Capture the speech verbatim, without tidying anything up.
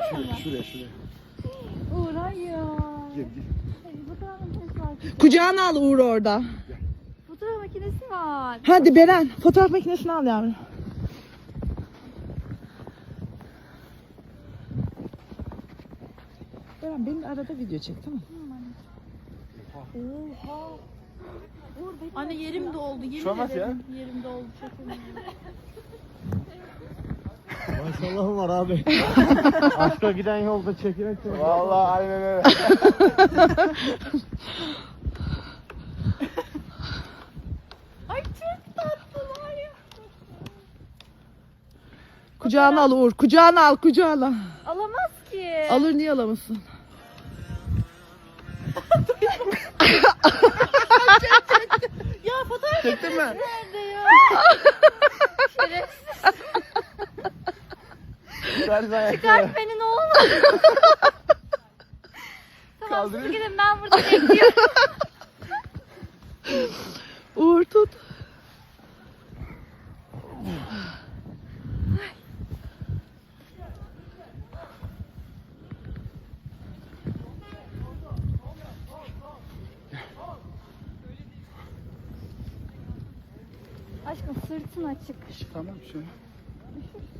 Şuraya, şuraya, şuraya. Uğur hayır. Gel, gel. Hayır, fotoğraf makinesi var. Kucağına al Uğur orada. Fotoğraf makinesi var. Hadi Beren fotoğraf makinesini al yavrum. Beren benim arada video çek tamam mı? Oha. Uğur benim. Anne yerim doldu. Yemin Şu an nasıl ederim. Yerim doldu. Çok önemli. Maşallahım var abi. Aşka giden yolda çekilen çocuk. Vallahi aynen öyle. Ay çok tatlılar ya. Kucağına al Uğur. Kucağına al kucağına. Alamaz ki. Alır niye alamazsın? Ya fotoğraf Çektin mi? nerede ya? Şerefsiz. Çıkart beni ne olur. Tamam Kaldırayım. siz gidin ben burada bekliyorum. Uğur tut. Aşkım sırtın açık. Tamam şöyle.